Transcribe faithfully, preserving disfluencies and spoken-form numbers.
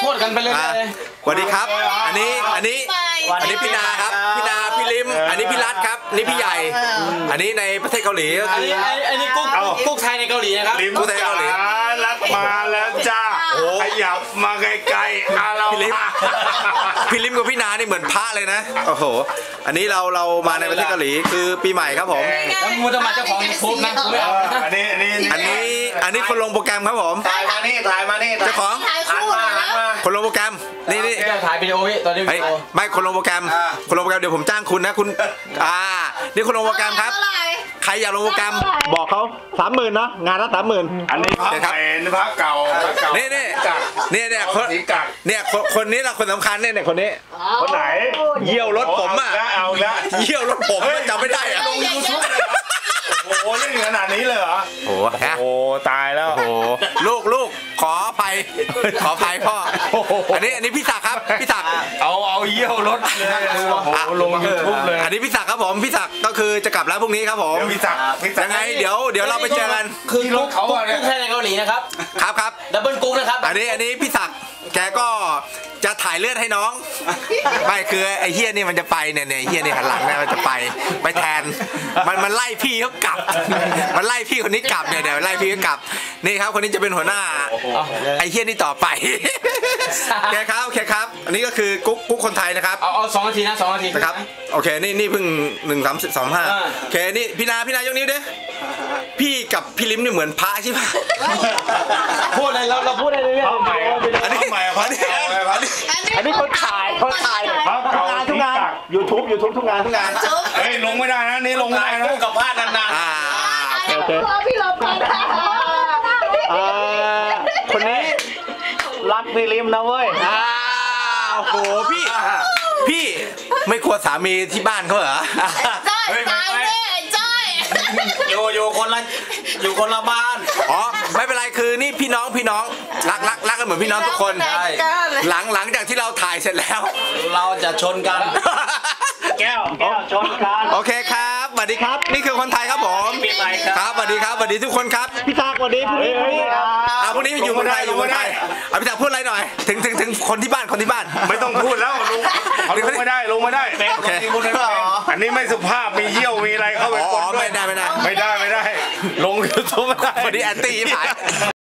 พูดกันไปเลยสวัสดีครับอันนี้อันนี้อันนี้พี่นาครับพี่นาพี่ลิมอันนี้พี่รัฐครับนี่พี่ใหญ่อันนี้ในประเทศเกาหลีก็คืออันนี้กุ๊กกุ๊กไทยในเกาหลีนะครับกุ๊กไทยเกาหลีรัฐมาแล้วจ้าขยับมาไกลๆอาเราพี่ลิมพี่ลิมกับพี่นานี่เหมือนพระเลยนะโอ้โหอันนี้เราเรามาในประเทศเกาหลีคือปีใหม่ครับผมแล้วมูจะมาเจ้าของยูทูบนะอันนี้อันนี้อันนี้อันนี้คนลงโปรแกรมครับผมถ่ายมานี่ถ่ายมานี่เจ้าของคนลงโปรแกรมนี่นี่ถ่ายวิดีโอพี่ตอนนี้วิดีโอไม่คนลงโปรแกรมคนลงโปรแกรมเดี๋ยวผมจ้างคุณนะคุณอ่านี่คนลงโปรแกรมครับใครอยากลงโปรแกรมบอกเขาสามหมื่นเนาะงานละสามหมื่นอันนี้พักใหม่พักเก่านี่นี่นี่เนี่ยคนเนี่ยคนนี้เราคนสำคัญเนี่ยคนนี้คนไหนเยี่ยวรถผมอ่ะเอาละเยี่ยวรถผมจำไม่ได้อะลงยูทูบเลยโอ้โหเล่นขนาดนี้เลยเหรอโอ้โหตายแล้วโอ้ลูกลูกขออภัยขออภัยพ่ออันนี้อันนี้พี่ศักดิ์ครับพี่ศักดิ์เอาเอาเยี่ยวรถเลยโอ้โหลงยูทูบเลยอันนี้พี่ศักดิ์ครับผมพี่ศักดิ์ก็คือจะกลับแล้วพรุ่งนี้ครับผมพี่ศักดิ์ยังไงเดี๋ยวเดี๋ยวเราไปเจอกันคือกุ๊กเขากุ๊กไทยในเกาหลีนะครับครับครับดับเบิลกุ๊กนะครับอันนี้อันนี้พี่ศักดิ์แกก็จะถ่ายเลือดให้น้องไม่คือไอ้เฮียนี่มันจะไปเนี่ยเนี่ยเฮียนี่หันหลังเนี่ยมันจะไปไปแทนมันมันไล่พี่เขากลับมันไล่พี่คนนี้กลับเนี่ยเดี๋ยวไล่พี่เขากลับนี่ครับคนนี้จะเป็นหัวหน้าไอ้เฮียนี่ต่อไปแกครับแกครับอันนี้ก็คือกุ๊กกุ๊กคนไทยนะครับเอาเอาสองนาทีนะสองนาทีนะครับโอเคนี่นี่เพิ่งหนึ่งสามสองห้าโอเคนี่พี่นาพี่นายกนิ้วดิพี่กับพี่ลิมนี่เหมือนพระใช่ไหมพูดอะไรเราเราพูดอะไรเลยอันนี้ใหม่อันนี้อันนี้คนถ่ายคนถ่ายทุกงานทุกงานยูทูบยูทูบทุกงานทุกงานเฮ้ยลงไม่ได้นะนี่ลงไม่ได้นะกับพลาดนานๆอ่าโอเคพี่ลบกันคนนี้รักพี่ลิมนะเว้ยอ้าวโหพี่พี่ไม่กลัวสามีที่บ้านเขาเหรอจ้อยตายแน่จ้อยอยู่อยู่คนละอยู่คนละบ้านอ๋อไม่เป็นไรคือนี่พี่น้องพี่น้องรักรักรักกันเหมือนพี่น้องทุกคนหลังหลังจากที่เราถ่ายเสร็จแล้วเราจะชนกันแก้วแก้วชนกันโอเคครับสวัสดีครับนี่คือคนไทยครับผมครับสวัสดีครับสวัสดีทุกคนครับพี่ตากสวัสดีพรุ่งนี้พรุ่งนี้อ่าพรุ่งนี้อยู่เมืองไทยอยู่เมืองไทยอ่ะพี่ตากพูดอะไรหน่อยถึงถึงถึงคนที่บ้านคนที่บ้านไม่ต้องพูดแล้วลงลงไม่ได้ลงไม่ได้โอเคอันนี้ไม่สุภาพมีเยี่ยวมีอะไรเข้าไปอ๋อไม่ได้ไม่ได้ไม่ได้ไม่ได้ลงยูทูบไม่ได้วันนี้แอนตี้ผ่าน